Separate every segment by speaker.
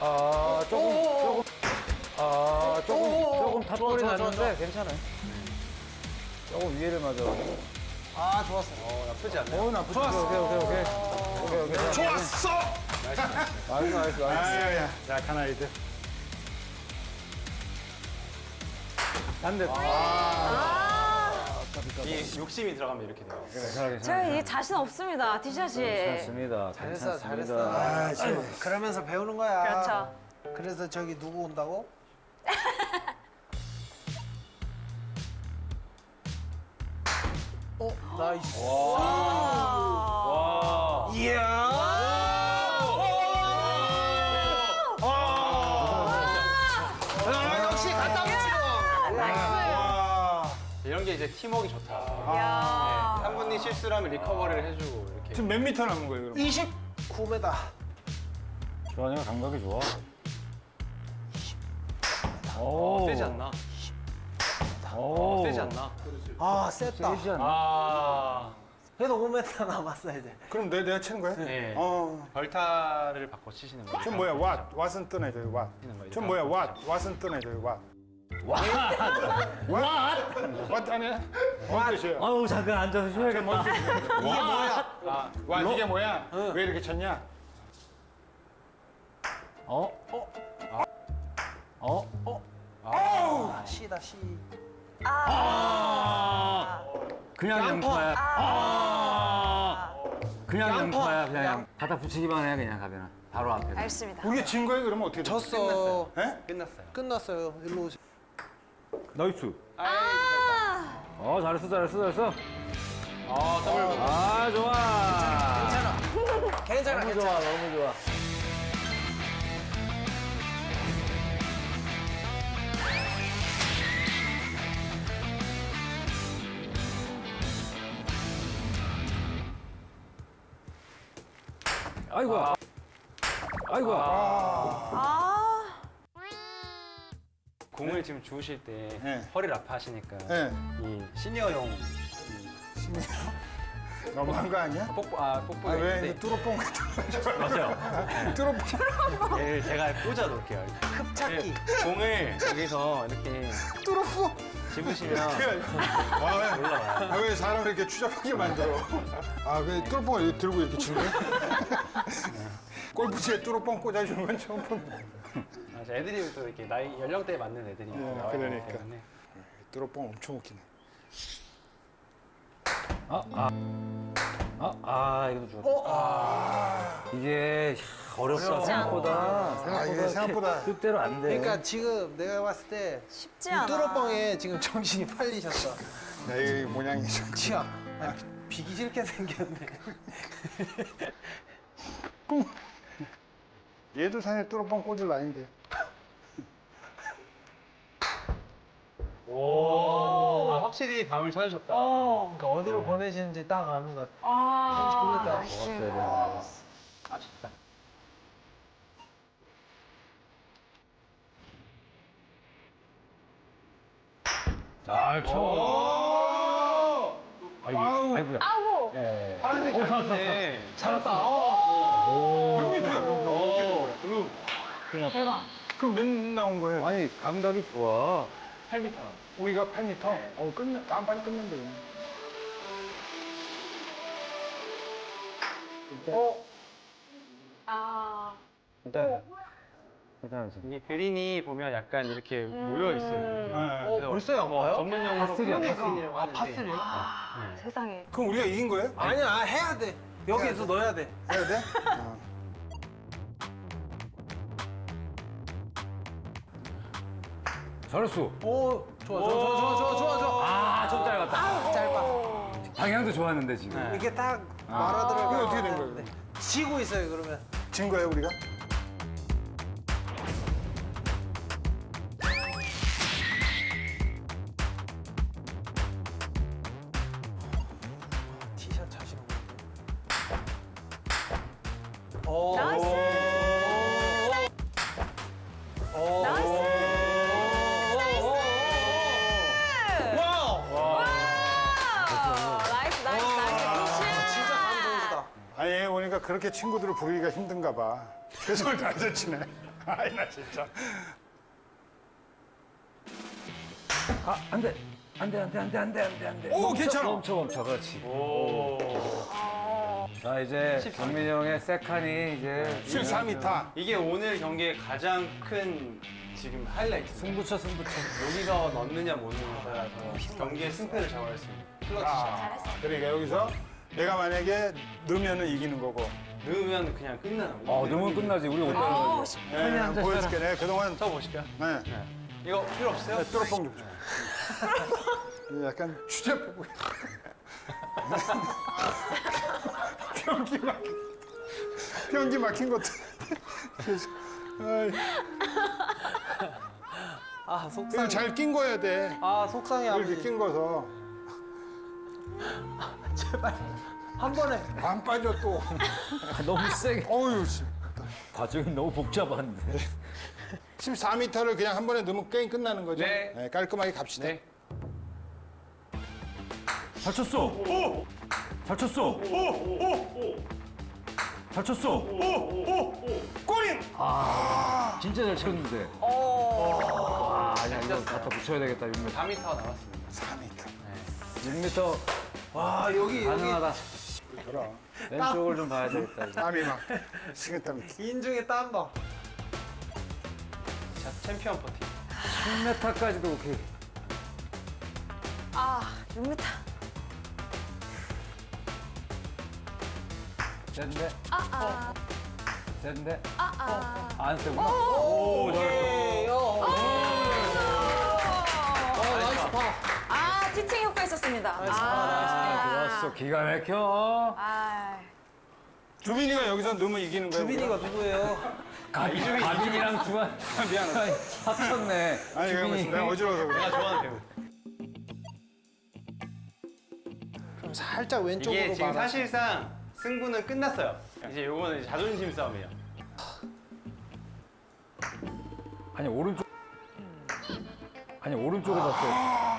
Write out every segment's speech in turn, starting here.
Speaker 1: 조금 탑볼이 났는데 괜찮아요. 조금 위에를 맞아가지고.
Speaker 2: 아, 좋았어.
Speaker 3: 나쁘지 않네.
Speaker 1: 나쁘지. 오케이.
Speaker 4: 좋았어.
Speaker 1: 나이스.
Speaker 4: 아야, 약한 아이들.
Speaker 1: 반대.
Speaker 3: 이 욕심이 들어가면 이렇게 돼요.
Speaker 5: 제가 이게 자신 없습니다, 티샷이.
Speaker 1: 괜찮습니다.
Speaker 2: 잘했어.
Speaker 4: 아,
Speaker 2: 그러면서 배우는 거야.
Speaker 5: 그렇죠.
Speaker 2: 그래서 저기 누구 온다고? 나이스.
Speaker 5: 와.
Speaker 2: 이야. 역시 갖다 붙이고.
Speaker 3: 이런 게 이제 팀워크 좋다.
Speaker 5: 야.
Speaker 3: 한 분이 실수를 하면 리커버리를 해주고 이렇게.
Speaker 4: 지금 몇 미터 남은 거예요, 그럼?
Speaker 2: 29m.
Speaker 1: 주환이가 감각이 좋아.
Speaker 3: 세지 않나? 세지 않나?
Speaker 2: 아, 셌다.
Speaker 1: 세지 않나?
Speaker 3: 아.
Speaker 2: 그래도 5m 남았어, 이제.
Speaker 4: 그럼 내가 치는 거야?
Speaker 3: 네. 벌타를 바꿔 치시는 거예요.
Speaker 4: 전 뭐야, 왓은 뜨네, 저기 왓. 전 뭐야, 왓은 뜨네, 저기 왓. 왓 아니야? 뭔 뜻이에요?
Speaker 1: 아우 잠깐 앉아서 쉬어야겠다.
Speaker 2: 이게 뭐야?
Speaker 4: 왓 이게 뭐야? 왜 이렇게 쳤냐?
Speaker 2: 시다, 시.
Speaker 1: 그냥 양파야. 그냥 양파야. 그냥 갖다 붙이기만 해 그냥 가면 바로 앞에.
Speaker 5: 알겠습니다.
Speaker 4: 우리가 진 거예요? 그러면 어떻게 돼?
Speaker 2: 졌어.
Speaker 4: 예?
Speaker 3: 끝났어요.
Speaker 2: 끝났어요. 일로 오세요.
Speaker 1: 나이스. 잘했어.
Speaker 3: 더블.
Speaker 1: 좋아.
Speaker 2: 괜찮아.
Speaker 1: 너무 좋아. 아이고.
Speaker 3: 공을 지금 주우실 때
Speaker 4: 네.
Speaker 3: 허리를 아파하시니까
Speaker 4: 네.
Speaker 3: 이 시니어용
Speaker 4: 너무한 거 아니야?
Speaker 3: 뽁뽁이
Speaker 4: 왜
Speaker 3: 있는데
Speaker 4: 이제 뚜러뽕 같은 거?
Speaker 3: 맞아요.
Speaker 4: 뚜러뽕.
Speaker 3: 얘를 제가 꽂아 놓을게요. 이렇게.
Speaker 2: 흡착기.
Speaker 3: 공을 여기서 이렇게
Speaker 4: 뚜러뽕.
Speaker 3: 집으시면
Speaker 4: 왜 사람을 이렇게 추잡하게 만들어? 그 뚜러뽕을 이렇게 들고 이렇게 치는 거야? 골프채에 뚜러뽕 꽂아주는 건 처음 본다.
Speaker 3: 애들이 또 이렇게 나이 연령대에 맞는 애들이 나와 있기
Speaker 4: 그러니까.
Speaker 3: 때문에
Speaker 4: 뚜러뽕 엄청 웃기네.
Speaker 1: 이것도 좋았다. 이게 어렵다 생각보다.
Speaker 4: 이게 생각보다.
Speaker 1: 뜻대로 안 돼.
Speaker 2: 그러니까 지금 내가 봤을 때
Speaker 5: 쉽지 않아.
Speaker 2: 뚜러뻥에 지금 정신이 팔리셨어.
Speaker 4: 이 모양이 좀.
Speaker 2: 치아. 비기 싫게 생겼네.
Speaker 4: 얘도 사실 뚜러뽕 꽂을 나인데.
Speaker 3: 확실히 감을 찾으셨다.
Speaker 2: 그러니까 어디로 보내시는지 딱 아는 것 같아.
Speaker 3: 아쉽다.
Speaker 1: 잘 쳐. 아이고야.
Speaker 3: 네.
Speaker 4: 그럼 몇 나온 거예요?
Speaker 1: 아니 감각이 좋아.
Speaker 4: 8m. 우리가 8m? 깜빡이 끝난다.
Speaker 1: 일단 괜찮았어.
Speaker 3: 이게 그린이 보면 약간 이렇게 모여 있어요.
Speaker 2: 벌써 양파요?
Speaker 3: 전문 용어로
Speaker 2: 파스리요?
Speaker 3: 파스리요?
Speaker 5: 세상에.
Speaker 4: 그럼 우리가 이긴 거예요?
Speaker 2: 아니야, 해야 돼. 여기에서 넣어야 돼.
Speaker 4: 해야 돼?
Speaker 1: 잘했어.
Speaker 2: 오, 좋아.
Speaker 1: 좀 짧았다.
Speaker 2: 짧아.
Speaker 1: 방향도 좋았는데 지금.
Speaker 2: 이렇게 딱
Speaker 4: 그게
Speaker 2: 말아들어가.
Speaker 4: 어떻게 된 거예요?
Speaker 2: 지고 있어요, 그러면.
Speaker 4: 진 거예요, 우리가?
Speaker 2: 티샷 자신 없는데.
Speaker 5: 나이스. 나이스. 나이스.
Speaker 2: 진짜 감 좋으시다.
Speaker 4: 아니, 오니까 그렇게 친구들을 부르기가 힘든가 봐. 최선을 다해서 치네. 아이 나 진짜.
Speaker 1: 안 돼. 안 돼.
Speaker 4: 오 괜찮아.
Speaker 1: 멈춰. 그렇지.
Speaker 3: 오.
Speaker 1: 자, 이제 경민이 형의 세칸이 이제
Speaker 4: 14m.
Speaker 3: 이게 오늘 경기의 가장 큰 지금 하이라이트.
Speaker 1: 승부처.
Speaker 3: 여기서 넣느냐 못 넣느냐에 따라서 경기의 승패를 정할 수 있는 클러치 샷.
Speaker 4: 아, 그러니까 여기서 내가 만약에 넣으면은 이기는 거고.
Speaker 3: 넣으면 그냥 끝나는 거예요.
Speaker 1: 넣으면 끝나지. 우리 못 되는 거지.
Speaker 4: 네, 한번 보여줄게. 네, 그동안
Speaker 3: 저 보실까요?
Speaker 4: 네.
Speaker 3: 이거 필요 없어요?
Speaker 4: 뚜러뽕 좀 줘. 약간 추잡해 보여. 변기 막힌 것도.
Speaker 2: 아,
Speaker 4: 이거
Speaker 2: 속상해.
Speaker 4: 잘 낀 거야 돼.
Speaker 2: 아, 속상해,
Speaker 4: 이렇게
Speaker 2: 아버지.
Speaker 4: 낀 거서
Speaker 2: 제발. 한 번에.
Speaker 4: 안 빠져 또.
Speaker 1: 너무 세게.
Speaker 4: 어유 씨.
Speaker 1: 과정이 너무 복잡한데.
Speaker 4: 14m를 그냥 한 번에 넣으면 게임 끝나는 거죠?
Speaker 3: 네.
Speaker 4: 깔끔하게 갑시다.
Speaker 3: 네.
Speaker 1: 잘 쳤어. 잘 쳤어. 잘 쳤어.
Speaker 4: 꼬린!
Speaker 1: 진짜 잘 쳤는데. 아니야, 이거 갖다 붙여야 되겠다. 6m.
Speaker 3: 4m 남았습니다.
Speaker 4: 4m.
Speaker 1: 6m
Speaker 2: 와, 여기.
Speaker 1: 가능하다.
Speaker 4: 그럼.
Speaker 1: 왼쪽을 좀 봐야 되겠다. 이제.
Speaker 4: 땀이 막 식은땀이.
Speaker 2: 인중에 땀 봐.
Speaker 3: 자, 챔피언 퍼팅.
Speaker 1: 10m까지도 오케이.
Speaker 5: 6m.
Speaker 1: 됐는데? 됐는데?
Speaker 5: 아.
Speaker 1: 안 세구나. 오, 잘했어.
Speaker 2: 나이스 파.
Speaker 5: 티칭 효과 있었습니다.
Speaker 1: 좋았어. 기가 막혀.
Speaker 4: 주민이가 여기서 넣으면 이기는 거야.
Speaker 2: 주빈이가 누구예요?
Speaker 1: 가빈이랑 주한
Speaker 4: 미안해.
Speaker 1: 합쳤네.
Speaker 4: 아니 내가 무슨 내가 어지러워서 그래.
Speaker 3: 내가 좋아하는 배우.
Speaker 2: 그럼 살짝 왼쪽으로
Speaker 3: 이게 지금
Speaker 2: 말아.
Speaker 3: 사실상 승부는 끝났어요. 이제 요거는 이제 자존심 싸움이에요.
Speaker 1: 아니 오른쪽. 오른쪽으로 봤어.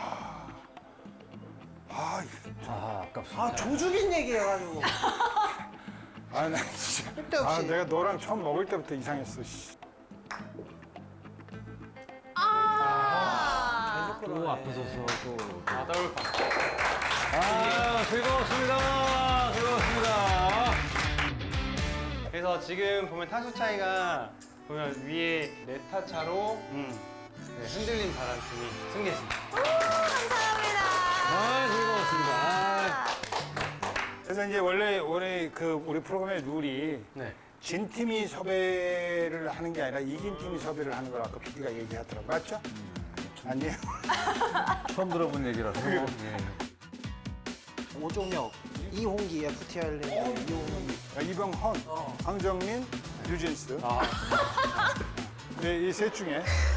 Speaker 1: 아깝습니다.
Speaker 2: 아, 조죽인 얘기해가지고.
Speaker 4: 아, 나 진짜.
Speaker 2: 쓸데없이.
Speaker 4: 내가 너랑 처음 먹을 때부터 이상했어. 씨.
Speaker 2: 계속
Speaker 1: 또
Speaker 2: 그러네.
Speaker 1: 앞서서 또.
Speaker 3: 더블파.
Speaker 1: 즐거웠습니다.
Speaker 3: 그래서 지금 보면 타수 차이가 보면 위에 4타 차로 흔들린 바람팀이 승리했습니다.
Speaker 5: 감사합니다.
Speaker 1: 즐거웠습니다.
Speaker 4: 그래서 이제 원래 우리 프로그램의 룰이
Speaker 3: 네.
Speaker 4: 진 팀이 섭외를 하는 게 아니라 이긴 팀이 섭외를 하는 걸 아까 PD가 얘기하더라고. 맞죠? 아니에요.
Speaker 1: 처음 들어본 얘기라서. 예.
Speaker 2: 오종혁, 이홍기, FT 아일랜드, 이홍기.
Speaker 4: 이병헌, 황정민, 유진스. 네, 이 셋 중에